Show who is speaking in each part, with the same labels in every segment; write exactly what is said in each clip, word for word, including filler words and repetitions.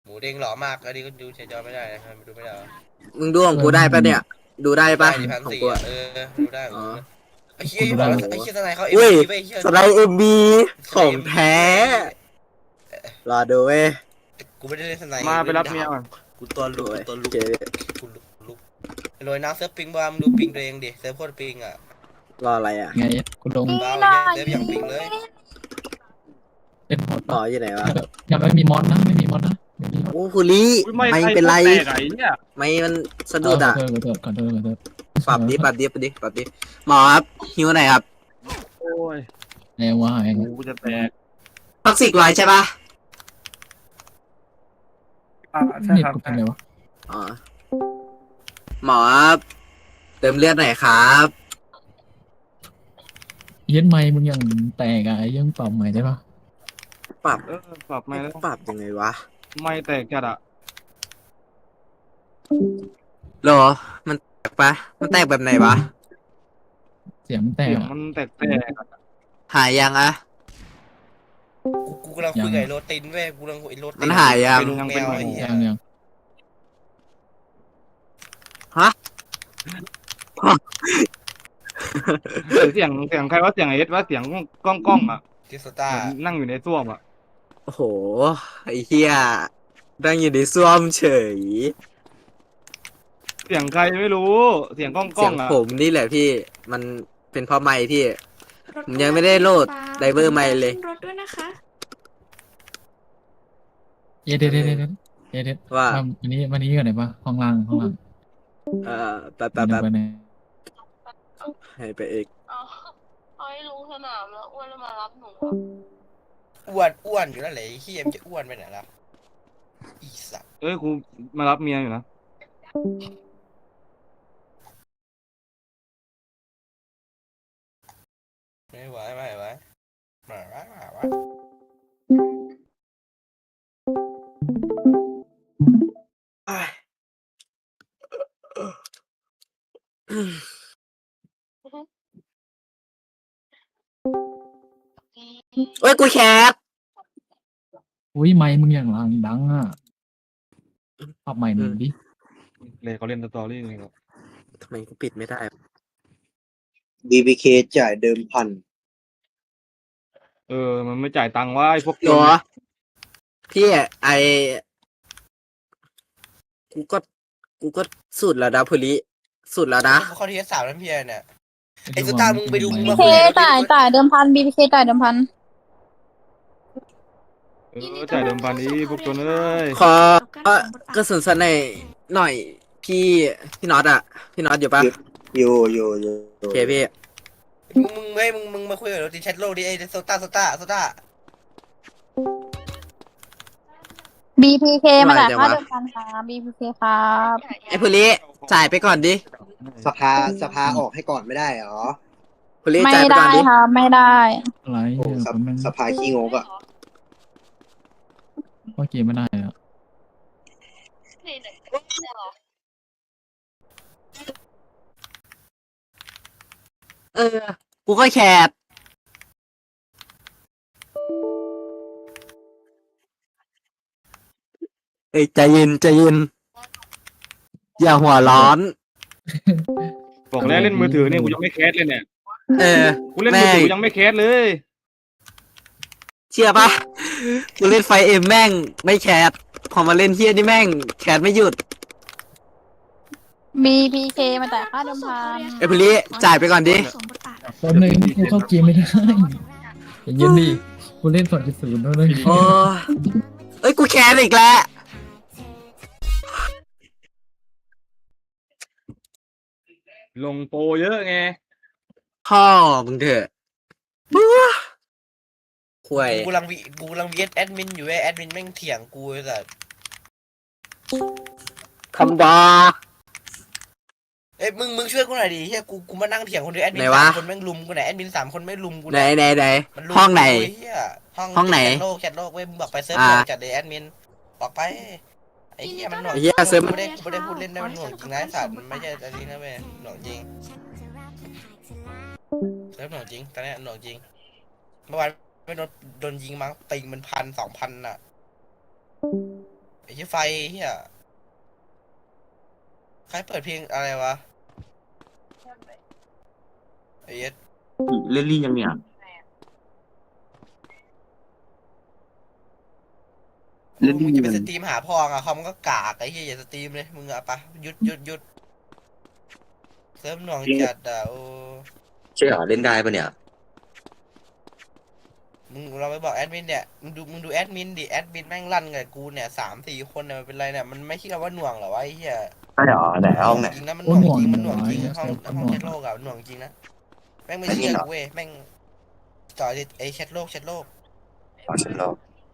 Speaker 1: หมูเด้งหล่อมากอันนี้ก็ดูเฉยจอไม่ได้นะดูไม่ได้เหรอ
Speaker 2: มึงดูของกูได้ปะเนี่ยดูได้ปะ
Speaker 1: ได้ดิพัน
Speaker 2: ของกูอะ
Speaker 1: สี่อ่ะเออดูได้ของ
Speaker 2: อ๋อ
Speaker 1: กูนะไอ้เหี้ย
Speaker 3: กูดูได้
Speaker 1: บอกแล้ว
Speaker 2: โอ้โห
Speaker 1: ไอ้เหี้ยทนายเขาเอ็ม
Speaker 2: อุ้ย
Speaker 1: บีไว้ไอ้เหี้ย
Speaker 2: สไลด์เอ็มบี
Speaker 1: ทนาย
Speaker 2: ของ
Speaker 1: เอ็มบี
Speaker 2: แท้
Speaker 1: เว้ย
Speaker 2: รอดูเว้ย
Speaker 1: กูไม่ได้เล่นทนาย
Speaker 4: มาไปรับ
Speaker 1: เล่นดาบ
Speaker 4: เมียก่อน
Speaker 1: กูตัวลุก
Speaker 2: โอ้ย
Speaker 1: กูตัวลุก
Speaker 2: โอเค
Speaker 1: กูลุกลุกโรยน้ำเซิร์ฟปิงบอมดูปิงตัวเองดิเซิร์ฟโคตรปิงอ่ะ
Speaker 2: รออะไรอ่ะ
Speaker 3: ไงกูลง
Speaker 1: เบาเนี่ยเซิร์ฟอย่างปิงเลย
Speaker 3: เล่นหมด
Speaker 2: ต่อ
Speaker 3: ปะ
Speaker 2: อยู่ไหนวะ
Speaker 3: ยังไม่มีมอสนะไม่มีมอสนะไม่มีมอส
Speaker 2: โอ้คุรี
Speaker 4: อุ้ยไม่
Speaker 2: ไม่
Speaker 4: ใคร
Speaker 2: เป็นไร
Speaker 4: แตกไอ้เนี่ย
Speaker 2: ไม่มันสะดุดอ่ะ
Speaker 3: ขอโทษขอโทษขอโทษขอโทษ
Speaker 2: ปรับดิปรับดิปรับดิปรับดิหมอครับฮิวไหนอยครับ
Speaker 4: โอ้ย
Speaker 3: แนวว่าไง
Speaker 4: กูจะแตก
Speaker 2: ท็อกซิกไว้ใช่ปะ
Speaker 4: อ่าใช่
Speaker 3: เน็ต
Speaker 4: ครับ
Speaker 3: กูเป็นไงวะ
Speaker 2: อ๋อหมอครับเติมเลือดหน่อยครับ
Speaker 3: เย็นไม้มึงยังแตกอะยังปรับใหม่ได้ปะ
Speaker 2: ปรับ
Speaker 4: เออปรับไม่แล้ว
Speaker 2: ปรับยังไงวะ
Speaker 4: ไม่แตกจัดอ่ะ
Speaker 2: โหรอมันแตกปะมันแตกแบบไหนวะ
Speaker 3: เสียงแต
Speaker 4: เสี
Speaker 3: ก
Speaker 4: ยง
Speaker 3: อะ
Speaker 4: มันแตกแตกอะ
Speaker 2: หายยังอะ
Speaker 1: กูกูกำลังคุยกับไอ้โรตินเว้ยกูกำลังคุยไอ้โรติน
Speaker 2: มันหายยัง
Speaker 1: ไปดูแมวไอ้เหี้ย
Speaker 3: ยังยัง
Speaker 4: เออเสียงเสียงใครว่าเสียงไอเอสว่าเสียงกล้องกล้องอ่ะ
Speaker 1: ทิส
Speaker 4: เห
Speaker 1: ตา
Speaker 4: มือนนั่งอยู่ในส้วมอ่ะ
Speaker 2: โอ้โหไอ้เฮียนั่งอยู่ในส้วมเฉย
Speaker 4: เสียงใครไม่รู้ เสียงกล้องก
Speaker 2: เสี
Speaker 4: ล้
Speaker 2: ย
Speaker 4: อง
Speaker 2: ง
Speaker 4: อ่ะ
Speaker 2: ผมนี่แหละพี่ มันเป็นเพราะไมค์พี่ ผมยังไม่ได้โหลดไดเวอร์ไมค์เลย
Speaker 5: รถด้วยนะคะ
Speaker 3: เย็ดเด็ดเด็ดเด็ดเย็ดเด็ด
Speaker 2: ว่า
Speaker 3: วันนี้วันนี้กันไหนปะห้องล่างห้องล่าง
Speaker 2: เอ่อแป๊บแป๊บ
Speaker 3: เดี๋
Speaker 2: แป๊
Speaker 3: ยว
Speaker 2: บ
Speaker 3: ไปไหน
Speaker 2: ให้ไปเอก
Speaker 5: เอาเอาให้ลงสนามแล้วอ้วนแล้วมารับหนูอะ
Speaker 1: อ้วนอ้วนอยู่นั่นแหละไอ้เหี้ยมันจะอ้วนไปไหนล่ะอีสัตว์
Speaker 4: เอ้ยกูมารับเมียอยู่นะ
Speaker 1: ไม่ไหวไม่ไหวมาไหวมาไหว
Speaker 2: อ้ายเอ้ยกูแคส
Speaker 3: อุ้ยไม้มึงอย่างลังดังอะปรับใหม่หนึ่งดิ
Speaker 4: เลยเขาเล่นสตอรี่นี่ครับ
Speaker 2: ทำไมกูปิดไม่ได้
Speaker 6: บี บี เค จ่ายเดิมพัน
Speaker 4: เออมันไม่จ่ายตังค์ว่าไอ้พวก
Speaker 2: หรอพี่ไอกูก็กูก็สุดแล้วนะพุลิสุดแล้วนะ
Speaker 1: กูเข้าทีสามแล้วพี่เนี่ยไอ้สตาร์มึงไปดูมึง
Speaker 5: บี
Speaker 1: มา
Speaker 5: เค
Speaker 1: คุยกับ
Speaker 5: จ่ายจ่ายเดิมพันบีพีเคจ่ายเดิมพัน
Speaker 4: เออจ่ายเดิมพันนี้พวกตัวเอ้ย
Speaker 2: ขอเอ่อกระสุนสไนหน่อยพี่พี่น็อตอะพี่น็อตอยู่ปะ
Speaker 6: อยู่อยู่อยู่
Speaker 2: โอเคพี่
Speaker 1: มึงมึงเฮ้ยมึงมึงมาคุยกับโรตินแชทโลกดิไอ้โซต้าโซต้าโซต้า
Speaker 5: บีพีเคมาจ่ายค่าเดิมพันค่ะบีพีเคครับ
Speaker 2: ไอพุลิจ่ายไปก่อนดิ
Speaker 6: สภาสภาออกให้ก่อนไม่ได้เหรอ
Speaker 2: พุลิ
Speaker 5: ไม่
Speaker 2: จ่ายไปก่
Speaker 5: ได้
Speaker 2: อนดิ
Speaker 5: ค่ะไม่ได้
Speaker 3: อะไร
Speaker 6: โอ้
Speaker 3: เนี่ย
Speaker 6: ส
Speaker 3: คนแม่ง
Speaker 6: สภาขี้งกอ่ะ
Speaker 3: เมื่อกี้ไม่ได้อะ
Speaker 2: เออ กูก็แคสเอ้ยใจเย็นใจเย็นอย่าหัวร้อน
Speaker 4: บอกแล้วเล่นมือถือเนี่ยกูยังไม่แคสเลยเนี่ย
Speaker 2: เออ
Speaker 4: กูเล่นมือถือ
Speaker 2: แม่ง
Speaker 4: กูยังไม่แคสเลย
Speaker 2: เชื่อปะกูเล่นไฟเอ็มแม่งไม่แคสพอมาเล่นเฮียนี่แม่งแคสไม่หยุด
Speaker 5: บีพีเคมาจ่ายค่าเดิมพัน
Speaker 2: ไอ้พุลิจ่ายไปก่อนดิ
Speaker 3: ตอนนึงกูเข้าเกมไม่ได้อย่าเย็นดิกูเล่นสองจุดศูนย์แล้วเลย
Speaker 2: โอ้ยเอ้ยกูแคสอีกแล้ว
Speaker 4: ลงโปรเยอะไง
Speaker 2: พ่อมึงเถอะห่วย
Speaker 1: กูกำลังวีกูกำลังวีแอดมินอยู่ไอ้แอดมินแม่งเถียงกูไอ้สัส
Speaker 2: คำดา
Speaker 1: เอ้ยมึงมึงช่วยกูหน่อยดิเฮียกูกูมานั่งเถียงคนเดียวแอดมิน
Speaker 2: ไหนวะ
Speaker 1: สามคนแม่งลุมกูไหนแอดมินสามคนไม่ลุมกู
Speaker 2: ไหนไหนไหน
Speaker 1: มันลุม
Speaker 2: ห้องไหน
Speaker 1: กูเฮียห้อง
Speaker 2: ห้องไหน
Speaker 1: แชทโลกแชทโลกเว้ยมึงบอกไปเซิร์ฟ
Speaker 2: อ่า
Speaker 1: เดียวจัดเลยแอดมินบอกไปไอ้เหี้ยมันหน่วง
Speaker 2: ไอ้เหี้ยเซิร์ฟ
Speaker 1: กูไม่ได้กูไม่ได้พูดเล่นได้มันหน่วงจริงนะไอ้สัตว์มันไม่ใช่อันนี้นะเว้ยหน่วงจริงเซิร์ฟหน่วงจริงตอนเนี้ยหน่วงจริงเมื่อวานไม่โดนโดนยิงมั้งปิงมันพันสองพันน่ะไอ้เหี้ยไฟเหี้ยใครเปิดเพลงอะไรวะไอ้เหี้ย
Speaker 7: เล่นลี่ยังเนี่ย เล่น
Speaker 1: มึ
Speaker 7: ลี่
Speaker 1: งจะ
Speaker 7: ยั
Speaker 1: ไป
Speaker 7: ง
Speaker 1: สตรีมหาพ่ออะคอมก็กากไอ้เหี้ยอย่าสตรีมเลยมึงอะปะหยุดหยุดหยุดเซิร์ฟหน่วงจัดอะโอ้
Speaker 7: ใช่เหรอเล่นได้ปะเนี่ย
Speaker 1: มึงเราไปบอกแอดมินเนี่ยมึงดูมึงดูแอดมินดิแอดมินแม่งลั่นกับกูเนี่ยสามสี่คนเนี่ยมันเป็นไรเนี่ยมันไม่คิดว่าหน่วงเหรอวะไอ้เหี้ย
Speaker 7: ใช่เหรอไหนห้องไหน
Speaker 1: จริงนะมันหน่วงจริงมันหน่วงจริง
Speaker 3: โอ้
Speaker 1: ห้อง
Speaker 3: หน่วง
Speaker 1: ห้องแชทโลกอะหน่วงจริงนะแม่งไม่เชื่อกูเว้ยแม่งต่อไอ้แชทโลกแชทโลก
Speaker 7: อ๋อฉันรอ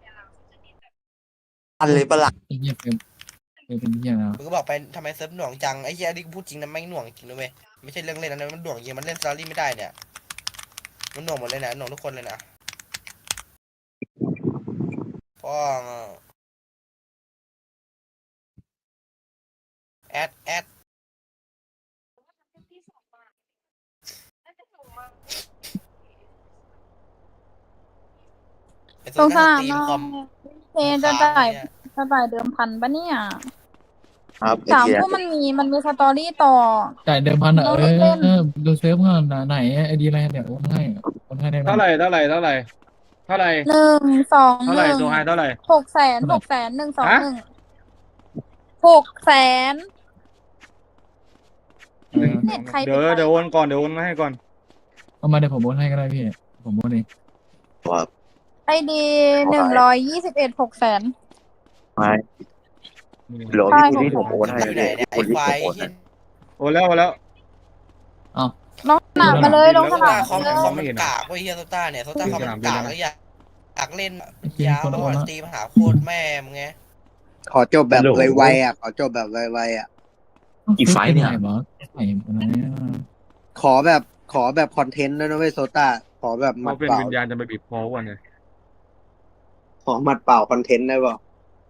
Speaker 7: อันเลยปะล่ะ
Speaker 3: ไอ้เหี้ยเป็นเป็นเหี้ยนะ
Speaker 1: มึงก็บอกไปทำไมเซิร์ฟหน่วงจังไอ้เหี้ยนี่กูพูดจริงนะแม่งหน่วงจริงนะเว้ยไม่ใช่เรื่องเล่นนะมันหน่วงจริงมันเล่นสตอรี่ไม่ได้เนี่ยมันหน่วงหมดเลยนะหน่วงทุกคนเลยนะป้องแอดแอดไอ้
Speaker 5: ส
Speaker 1: ตัว
Speaker 5: ง
Speaker 1: นั่
Speaker 5: สาง ร
Speaker 1: สตรีม
Speaker 5: น้อ
Speaker 1: คอม
Speaker 5: งเพจะจ่ายจะจ่ายเดิมพันปะเนี่ย
Speaker 7: ครับ
Speaker 5: สาม
Speaker 7: ไอ้เหี้ย
Speaker 5: ทุ่มมันมีมันมีสตอรี่ต่อ
Speaker 3: จ่ายเดิมพันอ่ะ
Speaker 5: เรา
Speaker 3: เอ
Speaker 5: เล่น
Speaker 3: อดูเซฟก่อนนะไหนไอดีอะไรเดี๋ยวโอนให้โอนให้ได้ไหม
Speaker 4: เท่าไหร่เท่าไหร่เท่าไหร่เท่าไหร่
Speaker 5: หนึ่งสอง
Speaker 4: เท่า
Speaker 5: ห
Speaker 4: ไหร่
Speaker 5: นึ่ง
Speaker 4: โซไฮเท่าไหร่
Speaker 5: หกแสนหกแสนหนึ่งสอง
Speaker 4: ฮะ
Speaker 5: หนึ่งหกแสน
Speaker 3: เออ
Speaker 5: เน็ตใคร
Speaker 4: เดี๋ยว
Speaker 5: ปิดไฟ
Speaker 4: เดี๋ยวโอนก่อนเดี๋ยวโอนมาให้ก่อน
Speaker 3: เอามาเดี๋ยวผมโอนให้ก็ได้พี่ผมโอนเอง
Speaker 5: ไอดีหนึ่งร้อยยี่สิบเอ็ดหกแสน
Speaker 7: ไม่โหล
Speaker 5: ใช่
Speaker 7: พี่คุณที่ผมโอนให้
Speaker 1: อยู่ไหน
Speaker 7: เลย
Speaker 1: เนี่ย
Speaker 7: คุ
Speaker 1: ไอ้
Speaker 7: ณที่
Speaker 1: ไฟ
Speaker 7: ผมโอน
Speaker 1: เหี้
Speaker 7: ให้
Speaker 1: ย
Speaker 4: โอนแล้วโอนแล้ว
Speaker 5: ลงสนามมาเลยลงส
Speaker 1: โซ
Speaker 5: นา
Speaker 1: ต้าม คอม
Speaker 5: มาเลย
Speaker 1: คอมมันกากเว้ยเฮียโซต้าเนี่ยโซต้าคอมมันกากแล้วอยากอยากเล่น
Speaker 3: ไอ้เกม
Speaker 1: ยาว
Speaker 3: คนละ
Speaker 1: แล้ว
Speaker 3: คน
Speaker 1: อะ
Speaker 3: ละ
Speaker 1: สตรีมหาโคตรแม่มึงไง
Speaker 6: ขอจบแบบไวๆอ่ะ ขอจบแบบไวๆอ่ะ
Speaker 7: อีกไฟล์เนี่ย
Speaker 3: ไหนบอสไหนอะไรเนี่ย
Speaker 6: ขอแบบขอแบบคอนเทนต์ด้วยนะเว้ยโซต้าขอแบบหมั
Speaker 4: เขา
Speaker 6: ด
Speaker 4: เป็น
Speaker 6: เปล่า
Speaker 4: วิญญาณจะไปบีบคอวันเนี่ย
Speaker 6: ขอหมัดเปล่าคอนเทนต์ได้ป่ะ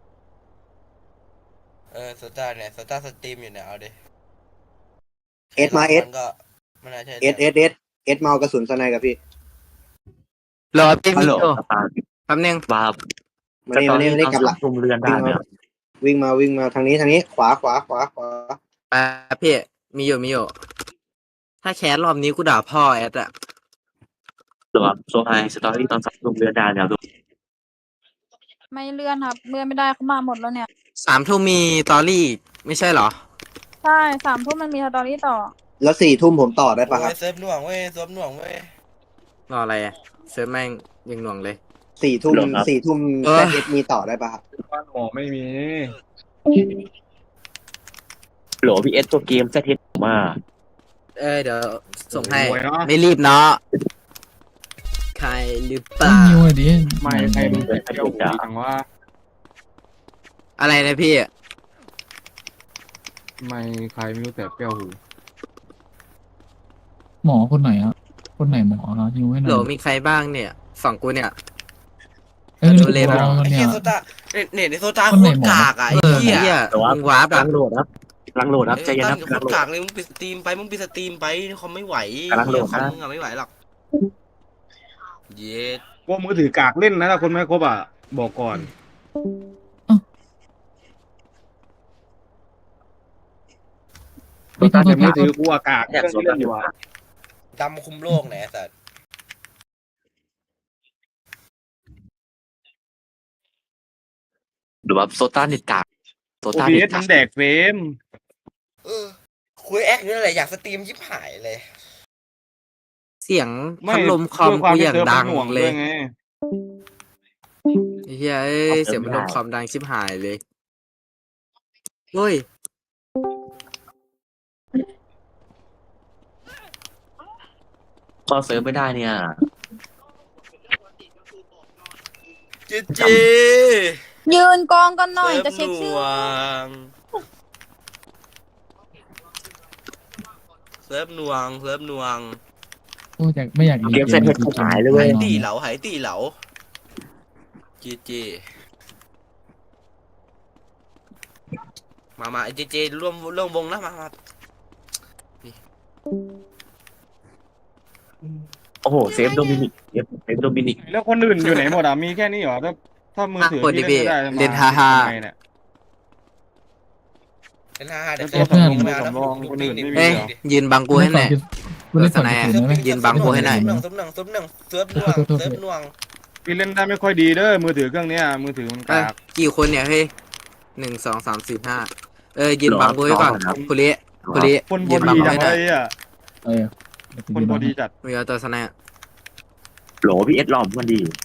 Speaker 1: เออโซต้าเนี่ยโซต้าสตรีมอยู่เนี่ยเอาดิ
Speaker 6: เอสมาเอส
Speaker 1: นก็ไม่น่าใช่
Speaker 6: เอสเอสเอสเอสเมากระสุนสไนกับพี่
Speaker 2: รอพี่
Speaker 7: ฮั
Speaker 2: มิ
Speaker 7: ลโหล
Speaker 2: โอ
Speaker 7: สตาร์
Speaker 2: แป๊บนึง
Speaker 7: บาร์
Speaker 6: มานี่มานี่มานี่กลับหลัง
Speaker 7: รุมเรือนได้เนี่ย
Speaker 6: วิ่งมาวิ่งมาทางนี้ทางนี้ ขวาขวาขวาขวา
Speaker 2: แป๊บพี่มีอยู่มีอยู่ถ้าแคสรอบนี้กูด่าพ่อแอดอะ
Speaker 7: หรือว่าโซไฮสตอรี่ตอนสามรุมเรือนได้เนี่ยดู
Speaker 5: ไม่เลื่อนครับเลื่อนไม่ได้เขามาหมดแล้วเนี่ย
Speaker 2: สามทุ่มมีตอรี่ไม่ใช่เหรอ
Speaker 5: ใช่สามทุ่มมันมีสตอรี่ต่อ
Speaker 6: แล้วสี่ทุ่มผมต่อได้ปะค
Speaker 1: โอ้
Speaker 6: รับ
Speaker 1: ยเซิร์ฟหน่วงเว้ยเซิร์ฟหน่วงเว้ย
Speaker 2: รออะไรอะเซิร์ฟแม่งยังหน่วงเลย
Speaker 6: สี่ทุ่มสี่ทุ่ม
Speaker 2: เออ
Speaker 6: แซดเอสมีต่อได้ปะครับ
Speaker 4: บ้านหมอไม่มี
Speaker 7: โหลพีเอสตัวเกมแซดเทสผมว่า
Speaker 2: เอ้ยเดี๋ยวส่งให้
Speaker 4: รวยเนาะ
Speaker 2: ไม่รีบเนาะใครหรือเป
Speaker 3: ต้อง
Speaker 2: ล่า
Speaker 3: ยิวไอ้ดิ
Speaker 4: ไม่ใครรู้แต่เที่ยวหูจังว่า
Speaker 2: อะไรนะพี่
Speaker 4: ไม่ใครไม่รู้แต่เปรี้ยวหู
Speaker 3: หมอคนไหนอะคนไหนหมอนะยิวให้หน่
Speaker 2: โหล
Speaker 3: อย
Speaker 2: มีใครบ้างเนี่ยฝั่งกูเนี่ย
Speaker 3: เอ้ย
Speaker 2: ดูเลย
Speaker 3: หม
Speaker 2: นะ
Speaker 3: อ
Speaker 1: ไอ้
Speaker 3: เนี่
Speaker 1: เฮี
Speaker 3: ย
Speaker 1: ยโซต้าเนี่ยเนี่ยในโซต้า
Speaker 3: คน
Speaker 1: โค
Speaker 3: ไหน
Speaker 1: ตร
Speaker 3: หมอ
Speaker 1: กากอ่ะไอ้
Speaker 2: เออ
Speaker 1: เฮีย
Speaker 2: เฮีย
Speaker 7: แต่ว่า
Speaker 2: มึงวาร์ป
Speaker 7: กำ
Speaker 2: อะ
Speaker 7: ลังโหลดครับกำลังโหลดครับใจ
Speaker 1: เออ
Speaker 7: เย็น
Speaker 1: ตั้
Speaker 7: นะ
Speaker 1: งอยู่
Speaker 7: กำ
Speaker 1: โค
Speaker 7: ลังโหล
Speaker 1: ตรกา
Speaker 7: ด
Speaker 1: กเลยมึงปิดสตรีมไปมึงปิดสตรีมไปคอมไม่ไหว
Speaker 7: กำลังโหลด
Speaker 1: คอม
Speaker 7: นะ
Speaker 1: มึงอะไม่ไหวหรอกเย็ด
Speaker 4: พวกมือถือกากเล่นนะถ้าคนไม่ครบอ่ะบอกก่อน
Speaker 3: ไม่ต้อง
Speaker 4: แต่
Speaker 3: ต้
Speaker 4: มื
Speaker 3: อง
Speaker 4: อถือกูอากาก
Speaker 7: แอบ
Speaker 4: เครื่อง
Speaker 7: โซ
Speaker 4: ที่เล่
Speaker 7: นาน
Speaker 4: อยู่อ่ะ
Speaker 1: ดำคุมโลกไหนสัตว์
Speaker 7: หรือว่าโซต้าเน็ตกากโซ
Speaker 4: โอ
Speaker 7: ต้า
Speaker 4: บี
Speaker 7: เน็
Speaker 4: เอ
Speaker 7: ต
Speaker 4: ส
Speaker 7: กา
Speaker 4: มั
Speaker 7: ก
Speaker 4: นแดกเฟรม
Speaker 1: เออคุยแอคนี่แหละอยากสตรีมยิบหายเลย
Speaker 2: เสียง
Speaker 4: ไม่
Speaker 2: พัดลมคอม
Speaker 4: ด้วยความ
Speaker 2: กู
Speaker 4: ที่
Speaker 2: อย่าง
Speaker 4: เซิร์ฟ
Speaker 2: ดั
Speaker 4: มัน
Speaker 2: ง
Speaker 4: หน่วง
Speaker 2: เล
Speaker 4: ด้วย ยไง
Speaker 2: ไอ้เฮียเอ้ยเสียงพัดลมคอมดังชิบหายเลยเฮ้ย
Speaker 7: ก็เซิร์ฟไม่ได้เนี่ย
Speaker 1: เจเจ
Speaker 5: ยืนกองกันหน่อยจะเช็คชื่อ
Speaker 1: เซิร์ฟหน่วงเซิร์ฟหน่วง
Speaker 3: กูอยากไม่อยาก
Speaker 7: เกมเซ็ตเฮ็ดกูหายเลยเว้ย
Speaker 1: หายตีเหลาหายตีเหลาเจเจมามาไอเจเจร่วมร่วมวงนะมามา
Speaker 7: โอ้โหเซฟโดมินิกเซฟเซฟโดมินิก
Speaker 4: แล้วคนอื่นอยู่ไหนหมดอ่ะมีแค่นี้เหรอถ้าถ้ามือถือ
Speaker 2: อ่ะกดดิ
Speaker 4: พี่เล่นไม่ได้
Speaker 2: พี่เล่นฮ่าๆ
Speaker 4: ทำไงเนี่ย
Speaker 1: เป็นห้าห้าเดี๋ยว
Speaker 4: แล้ว
Speaker 1: เซิร์ฟ
Speaker 4: ตัว
Speaker 1: มึงไม่เอา
Speaker 4: สำรอง
Speaker 1: แล้ว
Speaker 4: คนอื่นไม่มี
Speaker 2: เอ้ย
Speaker 4: เหรอ
Speaker 2: ยืนบังกูให้หน่อย
Speaker 3: กูเล่นฝั่ง
Speaker 2: เออ
Speaker 3: กูนะไหม
Speaker 2: ยืนบังกูให้หน่อย
Speaker 1: ซุปหนึ่งซุปหนึ่งซุปหนึ่งซุปหนึ่งเซิร์ฟหน่วง
Speaker 3: โทษโทษ
Speaker 1: เซิร์ฟหน่วง
Speaker 4: พี่เล่นได้ไม่ค่อยดีเด้อมือถือเครื่องเนี้ยมือถือมัน
Speaker 2: เอ้
Speaker 4: กาย ก
Speaker 2: กี่คนเนี่ยเฮ้ยหนึ่งสองสามสี่ห้าเออยืนบังกูให้ก่อนคุริคุริ
Speaker 4: คนพ
Speaker 2: ยื
Speaker 4: อน
Speaker 2: บัง
Speaker 4: ดี
Speaker 2: กู
Speaker 4: จัง
Speaker 2: ให้ห
Speaker 4: เล
Speaker 2: น่อย
Speaker 4: ยอ่ะ
Speaker 3: เออเดี๋ยวกู
Speaker 4: คน
Speaker 3: ยืน
Speaker 4: พ
Speaker 3: บั
Speaker 4: อง ดีจัด
Speaker 2: มีเอาตัวสแนป
Speaker 7: โหลพี่เอสหลอมมันดี